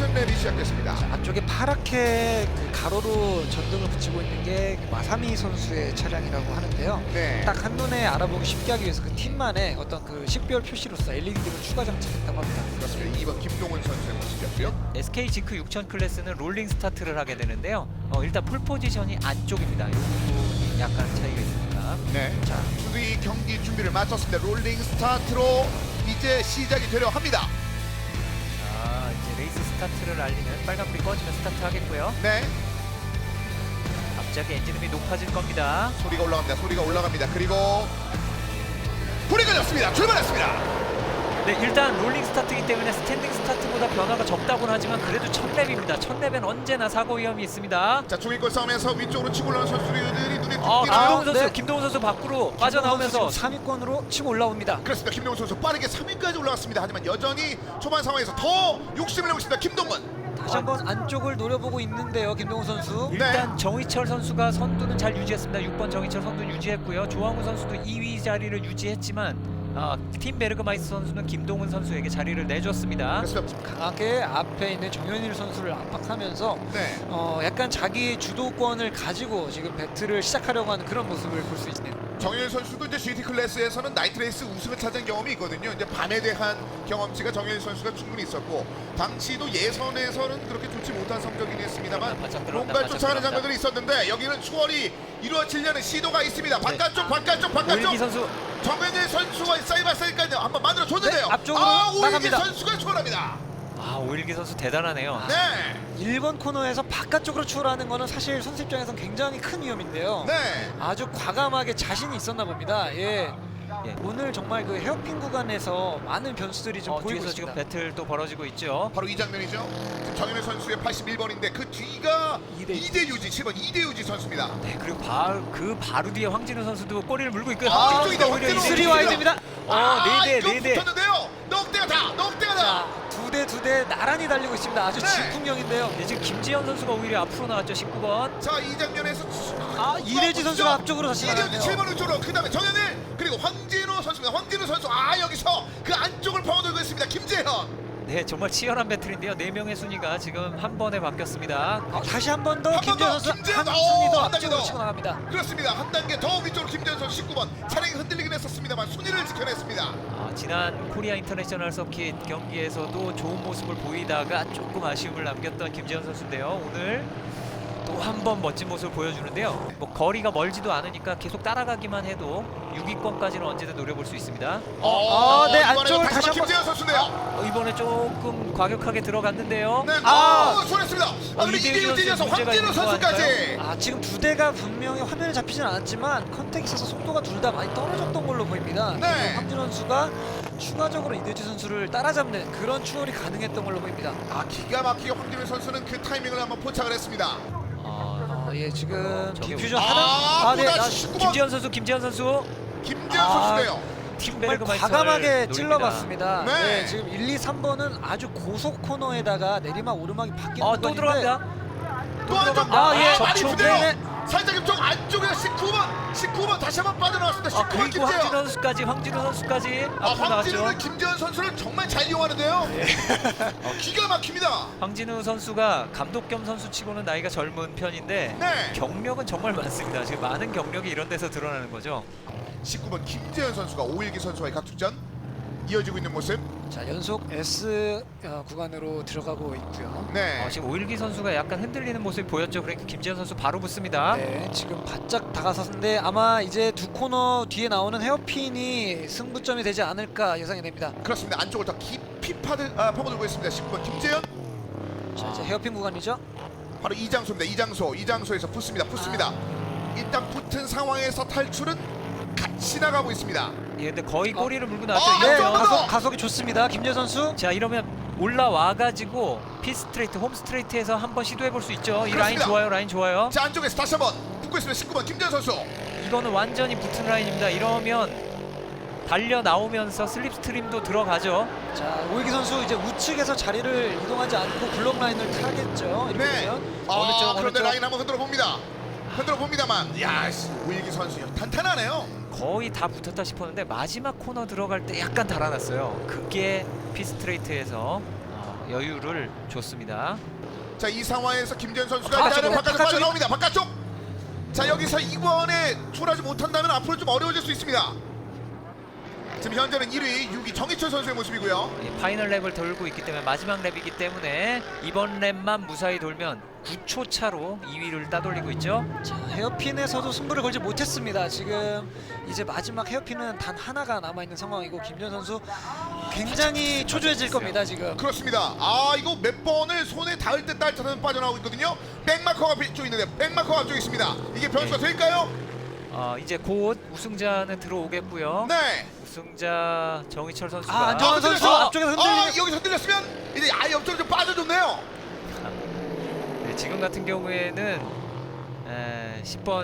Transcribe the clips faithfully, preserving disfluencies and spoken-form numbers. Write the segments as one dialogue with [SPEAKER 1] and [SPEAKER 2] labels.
[SPEAKER 1] 큰 맵이 시작됐습니다.
[SPEAKER 2] 안쪽에 파랗게 그 가로로 전등을 붙이고 있는 게 마사미 선수의 차량이라고 하는데요.
[SPEAKER 1] 네.
[SPEAKER 2] 딱 한눈에 알아보기 쉽게 하기 위해서 그 팀만의 어떤 그 식별 표시로서 엘이디를 추가 장착했다고 합니다.
[SPEAKER 1] 그렇습니다. 이 번 김동훈 선수의 모습이었고요.
[SPEAKER 3] 에스케이 지크 육천 클래스는 롤링 스타트를 하게 되는데요. 어, 일단 폴 포지션이 안쪽입니다. 이 부분이 약간 차이가 있습니다.
[SPEAKER 1] 네.
[SPEAKER 2] 자,
[SPEAKER 1] 모두 이 경기 준비를 마쳤습니다. 롤링 스타트로 이제 시작이 되려 합니다.
[SPEAKER 3] 자, 이제 레이스 스타트를 알리는 빨간불이 꺼지면 스타트 하겠고요.
[SPEAKER 1] 네.
[SPEAKER 3] 갑자기 엔진음이 높아질 겁니다.
[SPEAKER 1] 소리가 올라갑니다. 소리가 올라갑니다. 그리고 불이 꺼졌습니다. 출발했습니다.
[SPEAKER 3] 네, 일단 롤링 스타트이기 때문에 스탠딩 스타트보다 변화가 적다고는 하지만 그래도 첫 랩입니다. 첫 랩엔 언제나 사고 위험이 있습니다.
[SPEAKER 1] 자, 중위권 싸움에서 위쪽으로 치고 올라오는 선수들이 눈에 띄
[SPEAKER 3] 어,
[SPEAKER 1] 띄나요?
[SPEAKER 3] 김동훈 선수,
[SPEAKER 2] 네.
[SPEAKER 3] 김동훈 선수 밖으로 빠져나오면서
[SPEAKER 2] 삼 위권으로 치고 올라옵니다.
[SPEAKER 1] 그렇습니다. 김동훈 선수 빠르게 삼 위까지 올라갔습니다. 하지만 여전히 초반 상황에서 더 욕심을 내고 있습니다. 김동훈.
[SPEAKER 2] 다시 한번 안쪽을 노려보고 있는데요, 김동훈 선수.
[SPEAKER 3] 일단 정희철 선수가 선두는 잘 유지했습니다. 육 번 정희철 선두 유지했고요. 조항우 선수도 이 위 자리를 유지했지만 아, 팀 베르그마이스 선수는 김동훈 선수에게 자리를 내줬습니다.
[SPEAKER 1] 그렇습니다.
[SPEAKER 2] 강하게 앞에 있는 정현일 선수를 압박하면서
[SPEAKER 1] 네.
[SPEAKER 2] 어, 약간 자기 주도권을 가지고 지금 배틀을 시작하려고 하는 그런 모습을 볼 수 있네요.
[SPEAKER 1] 정일 선수도 이제 지티 클래스에서는 나이트레이스 우승을 차지한 경험이 있거든요. 이제 밤에 대한 경험치가 정일 선수가 충분히 있었고 당시도 예선에서는 그렇게 좋지 못한 성적이긴 했습니다만
[SPEAKER 3] 바짝 들어간다,
[SPEAKER 1] 뭔가를
[SPEAKER 3] 바짝
[SPEAKER 1] 쫓아가는
[SPEAKER 3] 들어간다.
[SPEAKER 1] 장면들이 있었는데 여기는 추월이 이루어지려는 시도가 있습니다. 바깥쪽 바깥쪽
[SPEAKER 3] 오일기
[SPEAKER 1] 바깥쪽
[SPEAKER 3] 선수
[SPEAKER 1] 정현일 선수와 사이바사이까지 한번 만들어 줬는데요.
[SPEAKER 2] 네, 앞쪽으로
[SPEAKER 1] 아, 오일기
[SPEAKER 2] 나갑니다.
[SPEAKER 1] 선수가 추월합니다.
[SPEAKER 3] 아, 오일기 선수 대단하네요.
[SPEAKER 1] 네.
[SPEAKER 2] 일 번 코너에서 바깥쪽으로 추월하는 거는 사실 선수 입장에선 굉장히 큰 위험인데요.
[SPEAKER 1] 네.
[SPEAKER 2] 아주 과감하게 자신이 있었나 봅니다. 예.
[SPEAKER 3] 예.
[SPEAKER 2] 오늘 정말 그 헤어핀 구간에서 많은 변수들이 좀
[SPEAKER 3] 어,
[SPEAKER 2] 보이고
[SPEAKER 3] 뒤에서
[SPEAKER 2] 있습니다.
[SPEAKER 3] 지금 배틀 또 벌어지고 있죠.
[SPEAKER 1] 바로 이 장면이죠. 지금 정현일 선수의 팔십일 번인데 그 뒤가
[SPEAKER 2] 이대
[SPEAKER 1] 이대유지 칠 번 이대유지 선수입니다.
[SPEAKER 3] 네, 그리고 바로 그 바로 뒤에 황진우 선수도 꼬리를 물고 있고요.
[SPEAKER 1] 아,
[SPEAKER 3] 황진우
[SPEAKER 1] 이쪽이다,
[SPEAKER 3] 선수가 오히려
[SPEAKER 1] 황진우.
[SPEAKER 2] 쓰리
[SPEAKER 3] 이제
[SPEAKER 2] 와이드입니다.
[SPEAKER 3] 어,
[SPEAKER 1] 아,
[SPEAKER 3] 네 대,
[SPEAKER 1] 이거
[SPEAKER 3] 네 대.
[SPEAKER 1] 붙었는데요. 넉대가 다, 넉대가 다.
[SPEAKER 2] 자, 두 대 두 대 나란히 달리고 있습니다. 아주
[SPEAKER 1] 네.
[SPEAKER 2] 진풍경인데요.
[SPEAKER 3] 네, 지금 김지현 선수가 오히려 앞으로 나왔죠. 십구 번.
[SPEAKER 1] 자, 이 장면에서
[SPEAKER 2] 아, 이대지 선수가 앞쪽으로 다시
[SPEAKER 1] 이대지
[SPEAKER 2] 나갔네요.
[SPEAKER 1] 칠 번 우쪽으로 그다음에 정현일 그리고 황진우 선수입니다. 황진우 선수 아 여기서 그 안쪽을 파고들고 있습니다. 김재현.
[SPEAKER 3] 네, 정말 치열한 배틀인데요. 네 명의 순위가 지금 한 번에 바뀌었습니다.
[SPEAKER 2] 어, 다시 한 번 더
[SPEAKER 1] 한번
[SPEAKER 2] 김재현
[SPEAKER 1] 더,
[SPEAKER 2] 선수
[SPEAKER 1] 김재현.
[SPEAKER 2] 한
[SPEAKER 1] 오,
[SPEAKER 2] 순위 더
[SPEAKER 1] 한 단계
[SPEAKER 2] 앞쪽으로
[SPEAKER 1] 더.
[SPEAKER 2] 치고 나갑니다.
[SPEAKER 1] 그렇습니다. 한 단계 더 위쪽으로 김재현 선수 십구 번 차량이 흔들리긴 했었습니다만 순위를 지켜냈습니다.
[SPEAKER 3] 아, 지난 코리아 인터내셔널 서킷 경기에서도 좋은 모습을 보이다가 조금 아쉬움을 남겼던 김재현 선수인데요. 오늘 또 한 번 멋진 모습을 보여주는데요. 뭐 거리가 멀지도 않으니까 계속 따라가기만 해도 육 위권까지는 언제든 노려볼 수 있습니다.
[SPEAKER 1] 어,
[SPEAKER 2] 네,
[SPEAKER 1] 이번에는
[SPEAKER 2] 안쪽을
[SPEAKER 1] 다시
[SPEAKER 2] 다시
[SPEAKER 1] 한번
[SPEAKER 2] 한번-
[SPEAKER 1] 김재현 선수인데요.
[SPEAKER 3] 어, 이번에 조금 과격하게 들어갔는데요.
[SPEAKER 1] 네,
[SPEAKER 2] 아.
[SPEAKER 1] 아, 손했습니다. 아,
[SPEAKER 3] 어,
[SPEAKER 1] 그리고
[SPEAKER 3] 이대유
[SPEAKER 1] 이대유 뒤에서
[SPEAKER 3] 선수 문제가
[SPEAKER 1] 황진우
[SPEAKER 3] 있는 거
[SPEAKER 1] 선수까지.
[SPEAKER 2] 아, 지금 두 대가 분명히 화면에 잡히진 않았지만 컨택이 있어서 속도가 둘 다 많이 떨어졌던 걸로 보입니다.
[SPEAKER 1] 네.
[SPEAKER 2] 그래서 황진호 선수가 추가적으로 이대지 선수를 따라잡는 그런 추월이 가능했던 걸로 보입니다.
[SPEAKER 1] 아, 기가 막히게 황진우 선수는 그 타이밍을 한번 포착을 했습니다.
[SPEAKER 3] 아,
[SPEAKER 2] 어, 예, 지금
[SPEAKER 3] 저기-
[SPEAKER 2] 디퓨전
[SPEAKER 1] 아,
[SPEAKER 2] 하나
[SPEAKER 1] 또
[SPEAKER 2] 네,
[SPEAKER 1] 다시
[SPEAKER 2] 아,
[SPEAKER 1] 십구 번.
[SPEAKER 3] 김지현 선수, 김지현 선수
[SPEAKER 1] 김재현
[SPEAKER 2] 아,
[SPEAKER 1] 선수인데요.
[SPEAKER 2] 정말
[SPEAKER 3] 팀베르그마이스터를
[SPEAKER 2] 과감하게
[SPEAKER 3] 노립니다.
[SPEAKER 2] 찔러봤습니다.
[SPEAKER 1] 네.
[SPEAKER 2] 네, 지금 일, 이, 삼 번은 아주 고속 코너에다가 내리막 오르막이 바뀌는
[SPEAKER 3] 어, 또
[SPEAKER 2] 구간인데
[SPEAKER 3] 들어갑니다.
[SPEAKER 1] 또 한 점.
[SPEAKER 2] 아, 예.
[SPEAKER 1] 많이
[SPEAKER 2] 접촉.
[SPEAKER 1] 부대요.
[SPEAKER 2] 네네.
[SPEAKER 1] 살짝 이쪽 안쪽에서 십구 번, 십구 번 다시 한번 빠져나왔습니다.
[SPEAKER 3] 아,
[SPEAKER 1] 십구 번
[SPEAKER 3] 그리고 황진우
[SPEAKER 1] 김재현.
[SPEAKER 3] 선수까지, 황진우 선수까지
[SPEAKER 1] 아,
[SPEAKER 3] 앞으로
[SPEAKER 1] 황진우는
[SPEAKER 3] 나왔죠.
[SPEAKER 1] 김재현 선수를 정말 잘 이용하는데요. 어, 기가 막힙니다.
[SPEAKER 3] 황진우 선수가 감독 겸 선수치고는 나이가 젊은 편인데
[SPEAKER 1] 네.
[SPEAKER 3] 경력은 정말 많습니다. 지금 많은 경력이 이런 데서 드러나는 거죠.
[SPEAKER 1] 십구 번 김재현 선수가 오일기 선수와의 각축전 이어지고 있는 모습.
[SPEAKER 2] 자, 연속 S 어, 구간으로 들어가고 있고요.
[SPEAKER 1] 네.
[SPEAKER 3] 어, 지금 오일기 선수가 약간 흔들리는 모습이 보였죠. 그러니까 김지현 선수 바로 붙습니다.
[SPEAKER 2] 네, 지금 바짝 다가섰는데 아마 이제 두 코너 뒤에 나오는 헤어핀이 승부점이 되지 않을까 예상이 됩니다.
[SPEAKER 1] 그렇습니다. 안쪽을 더 깊이 파들, 아, 파고들고 있습니다. 십구 번 김재현.
[SPEAKER 2] 자, 이제 헤어핀 구간이죠.
[SPEAKER 1] 바로 이장소입니다. 이장소. 이장소에서 붙습니다. 붙습니다. 일단 붙은 상황에서 탈출은 같이 나가고 있습니다.
[SPEAKER 3] 예, 근데 거의 꼬리를 물고 나왔죠.
[SPEAKER 1] 아,
[SPEAKER 2] 네,
[SPEAKER 1] 네,
[SPEAKER 3] 이러면
[SPEAKER 1] 한 번 더.
[SPEAKER 2] 가속, 가속이 좋습니다. 김재 선수.
[SPEAKER 3] 자, 이러면 올라와가지고 피 스트레이트, 홈 스트레이트에서 한번 시도해볼 수 있죠. 이 라인
[SPEAKER 1] 그렇습니다.
[SPEAKER 3] 좋아요, 라인 좋아요.
[SPEAKER 1] 자, 안쪽에서 다시 한번 붙고 있습니다. 십구 번 김재현 선수.
[SPEAKER 3] 이거는 완전히 붙은 라인입니다. 이러면 달려 나오면서 슬립 스트림도 들어가죠.
[SPEAKER 2] 자, 오일기 선수 이제 우측에서 자리를 이동하지 않고 블록 라인을 타겠죠. 이렇게
[SPEAKER 1] 네.
[SPEAKER 2] 되면.
[SPEAKER 1] 아,
[SPEAKER 3] 어느 쪽, 어느
[SPEAKER 1] 그런데
[SPEAKER 3] 쪽?
[SPEAKER 1] 라인 한번 흔들어 봅니다. 흔들어 봅니다만, 야, 씨, 오일기 선수 탄탄하네요.
[SPEAKER 3] 거의 다 붙었다 싶었는데 마지막 코너 들어갈 때 약간 달아났어요. 그게 피 스트레이트에서 어, 여유를 줬습니다.
[SPEAKER 1] 자, 이 상황에서 김재현 선수가
[SPEAKER 2] 아,
[SPEAKER 1] 일단은
[SPEAKER 2] 저거
[SPEAKER 1] 바깥쪽
[SPEAKER 2] 바깥쪽이-
[SPEAKER 1] 빠져나옵니다. 바깥쪽. 자, 여기서 이번에 출하지 못한다면 앞으로 좀 어려워질 수 있습니다. 지금 현재는 일 위 육 위 정희철 선수의 모습이고요.
[SPEAKER 3] 예, 파이널 랩을 돌고 있기 때문에 마지막 랩이기 때문에 이번 랩만 무사히 돌면 구 초 차로 이 위를 따돌리고 있죠.
[SPEAKER 2] 자, 헤어핀에서도 승부를 걸지 못했습니다. 지금 이제 마지막 헤어핀은 단 하나가 남아 있는 상황이고 김재현 선수 굉장히 초조해질 겁니다. 지금.
[SPEAKER 1] 그렇습니다. 아, 이거 몇 번을 손에 닿을 때 닿을 때는 빠져나오고 있거든요. 백마커가 뒤쪽에 있는데 백마커가 앞쪽에 있습니다. 이게 변수가
[SPEAKER 3] 네.
[SPEAKER 1] 될까요?
[SPEAKER 3] 어, 이제 곧 우승자는 들어오겠고요.
[SPEAKER 1] 네.
[SPEAKER 3] 우승자 정희철 선수가
[SPEAKER 2] 아, 안정환
[SPEAKER 1] 아,
[SPEAKER 2] 선수
[SPEAKER 1] 흔들렸어.
[SPEAKER 2] 앞쪽에서
[SPEAKER 1] 아,
[SPEAKER 2] 흔들리는.
[SPEAKER 1] 여기서 흔들렸으면 이제 아예 옆쪽으로 좀 빠져줬네요.
[SPEAKER 3] 네, 지금 같은 경우에는 에, 십 번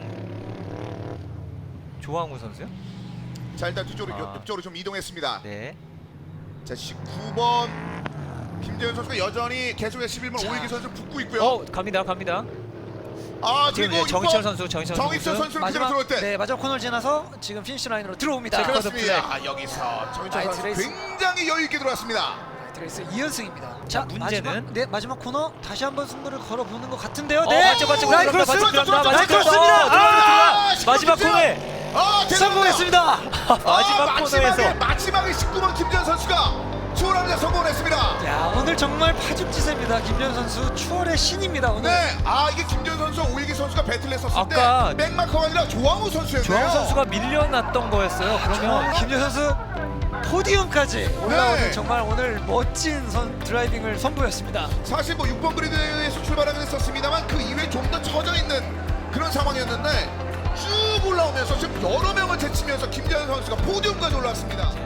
[SPEAKER 3] 조항우 선수요?
[SPEAKER 1] 자, 일단 뒤쪽으로
[SPEAKER 3] 아.
[SPEAKER 1] 옆쪽으로 좀 이동했습니다.
[SPEAKER 3] 네.
[SPEAKER 1] 자, 십구 번 김재현 선수가 여전히 계속해서 십일 번
[SPEAKER 2] 자.
[SPEAKER 1] 오일기 선수 붙고 있고요.
[SPEAKER 3] 어, 갑니다. 갑니다.
[SPEAKER 1] 아,
[SPEAKER 3] 지금
[SPEAKER 1] 그리고
[SPEAKER 3] 이제 정희철
[SPEAKER 1] 이번
[SPEAKER 3] 선수, 정희철
[SPEAKER 1] 정희철
[SPEAKER 3] 선수.
[SPEAKER 1] 선수는 그대로 들어올 때.
[SPEAKER 2] 네, 마지막 코너를 지나서 지금 피니시 라인으로 들어옵니다.
[SPEAKER 3] 자,
[SPEAKER 1] 그렇습니다. 아, 여기서 정희철
[SPEAKER 2] 나이트
[SPEAKER 1] 선수
[SPEAKER 2] 레이스.
[SPEAKER 1] 굉장히 여유 있게 들어왔습니다.
[SPEAKER 2] 드레이스 이 연승입니다.
[SPEAKER 3] 자, 문제는?
[SPEAKER 2] 마지막, 네, 마지막 코너 다시 한번 승부를 걸어보는 것 같은데요.
[SPEAKER 3] 어,
[SPEAKER 2] 네,
[SPEAKER 3] 맞죠, 맞죠.
[SPEAKER 2] 라인
[SPEAKER 3] 들어간다,
[SPEAKER 2] 크로스,
[SPEAKER 3] 맞죠, 들어간다,
[SPEAKER 2] 라인
[SPEAKER 3] 맞죠,
[SPEAKER 2] 크로스입니다.
[SPEAKER 3] 들어간다.
[SPEAKER 2] 아,
[SPEAKER 1] 아,
[SPEAKER 3] 마지막
[SPEAKER 1] 김재현!
[SPEAKER 3] 코너에
[SPEAKER 1] 아, 대단합니다.
[SPEAKER 2] 성공했습니다.
[SPEAKER 3] 마지막
[SPEAKER 1] 아,
[SPEAKER 3] 코너에서
[SPEAKER 1] 마지막에, 마지막에 십구 번 김재현 선수가 추월하면서 성공을 했습니다.
[SPEAKER 2] 야, 오늘 정말 파죽지세입니다. 김재현 선수 추월의 신입니다. 오늘.
[SPEAKER 1] 네, 아, 이게 김재현 선수, 오일기 선수가 배틀을 했었을
[SPEAKER 3] 아까
[SPEAKER 1] 때 백마커가 아니라 조항우 선수였네요.
[SPEAKER 3] 조항우 선수가 밀려났던 거였어요. 그러면
[SPEAKER 2] 김재현 선수 포디움까지 올라오는
[SPEAKER 1] 네.
[SPEAKER 2] 정말 오늘 멋진 선 드라이빙을 선보였습니다.
[SPEAKER 1] 사실 뭐 육 번 그리드에서 출발하긴 했었습니다만 그 이후에 좀 더 처져 있는 그런 상황이었는데 쭉 올라오면서 지금 여러 명을 제치면서 김재현 선수가 포디움까지 올라왔습니다.